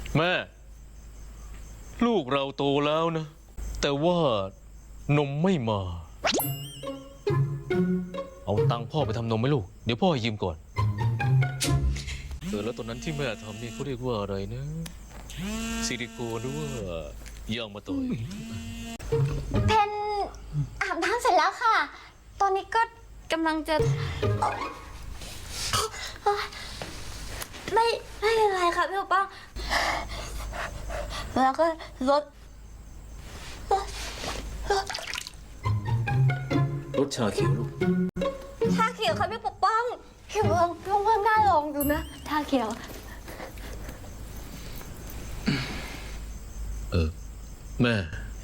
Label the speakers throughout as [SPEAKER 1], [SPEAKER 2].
[SPEAKER 1] แม่ลูกเราโตแล้วนะแต่ว่านมไม่มาเอาตังค์พ่อไปทำนมไหมลูกเดี๋ยวพ่อยืมก่อนแล้วตอนนั้นที่แม่ทำนี่เขาเรียกว่าอะไรนะซิลิโคนหรือว่ายางมะตอย
[SPEAKER 2] เพนอาบน้ำเสร็จแล้วค่ะ ตอนนี้ก็กำลังจะไม่เป็นไรค่ะพี่ปกป้องแล้วก็รถ
[SPEAKER 1] ชาเขียวลูก
[SPEAKER 2] ชาเขียวค่ะพี่ปกป้องพี่เบิร์พี่ว่าน่าลองดูนะชาเขียว
[SPEAKER 1] แม่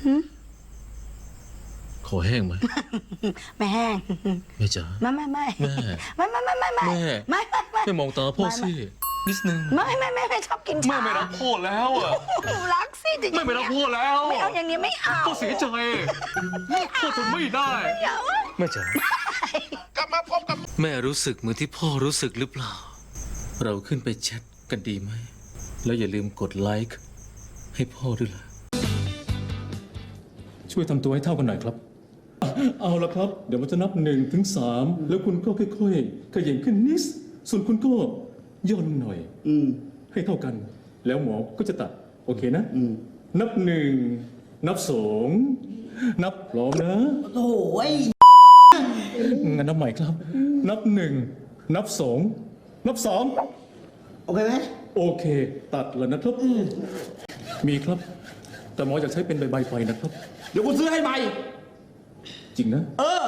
[SPEAKER 1] ขอแห้งไหม
[SPEAKER 3] ไม่แห้ง
[SPEAKER 1] แม่จ๋า
[SPEAKER 3] ไม่
[SPEAKER 1] แม่
[SPEAKER 3] ไม่
[SPEAKER 1] มองตาพ่อสินิดนึง
[SPEAKER 3] ไม่ชอบกินชา
[SPEAKER 1] แม่ไม่รักพ่อแล้วอ่ะ
[SPEAKER 3] หนูรักสิจริงๆ
[SPEAKER 1] แม่ไม่รักพ่อแล้ว
[SPEAKER 3] ไม่เอาอย่างนี้ไม่เอา
[SPEAKER 1] พ่อเสียใจพ่อทนไม่ได้แม่จ๋ากลับมาพบกับแม่รู้สึกเหมือนที่พ่อรู้สึกหรือเปล่าเราขึ้นไปแชทกันดีไหมแล้วอย่าลืมกดไลค์ให้พ่อด้วยล่ะช่วยทำตัวให้เท่ากันหน่อยครับเอาละครับเดี๋ยวมันจะนับ1 ถึง 3แล้วคุณก็ค่อยๆขยับขึ้นนิดส่วนคุณก็ย่อลงหน่อยให้เท่ากันแล้วหมอก็จะตัดโอเคนะนับ1 นับ 2นับพร้อมนะ
[SPEAKER 3] โอ้ย
[SPEAKER 1] งั้นนับใหม่ครับ นับ1 นับ 2 นับ 3
[SPEAKER 3] โอเคไหม
[SPEAKER 1] โอเคตัดแล้วนะครับมีครับแต่หมออยากใช้เป็นใบไฟนะครับ
[SPEAKER 3] เดี๋ยวกูซื้อให้ใหม่
[SPEAKER 1] จริงนะ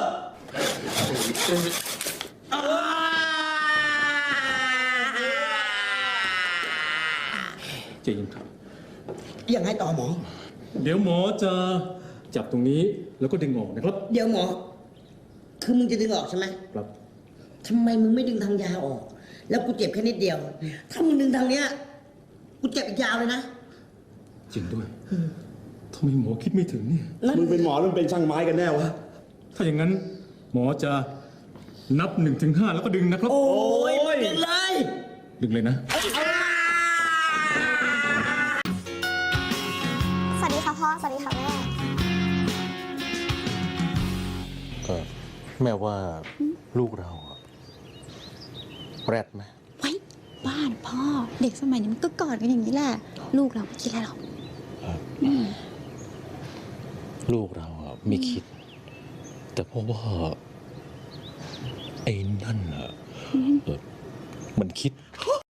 [SPEAKER 1] เจนครับ
[SPEAKER 3] ยังไงต่อหมอ
[SPEAKER 1] เดี๋ยวหมอจะจับตรงนี้แล้วก็ดึงออกนะครับ
[SPEAKER 3] เดี๋ยวหมอ คือมึงจะดึงออกใช่ไหม
[SPEAKER 1] ครับ
[SPEAKER 3] ทำไมมึงไม่ดึงทางยาวออก แล้วกูเจ็บแค่นิดเดียว ถ้ามึงดึงทางเนี้ยกูเจ็บอีกยาวเลยนะ
[SPEAKER 1] จริงด้วยทำไมหมอคิดไม่ถึงเนี่ย
[SPEAKER 4] มึงเป็นหมอหรือเป็นช่างไม้กันแน่วะ
[SPEAKER 1] ถ้าอย่างนั้นหมอจะนับ1 ถึง 5แล้วก็ดึงนะครับ
[SPEAKER 3] โอ้ยดึงเลย
[SPEAKER 1] ดึงเลยนะ
[SPEAKER 2] สวัสดีค่ะพ่อสวัสดีค่ะแม่
[SPEAKER 1] แม่ว่าลูกเราแรดไหม
[SPEAKER 5] ไว้บ้านพ่อเด็กสมัยนี้มันก็กอดกันอย่างนี้แหละ ลูกเราไม่คิดอะไรหรอก
[SPEAKER 1] ลูกเราไม่คิด แต่เพราะว่าไอ้นั่นมันคิด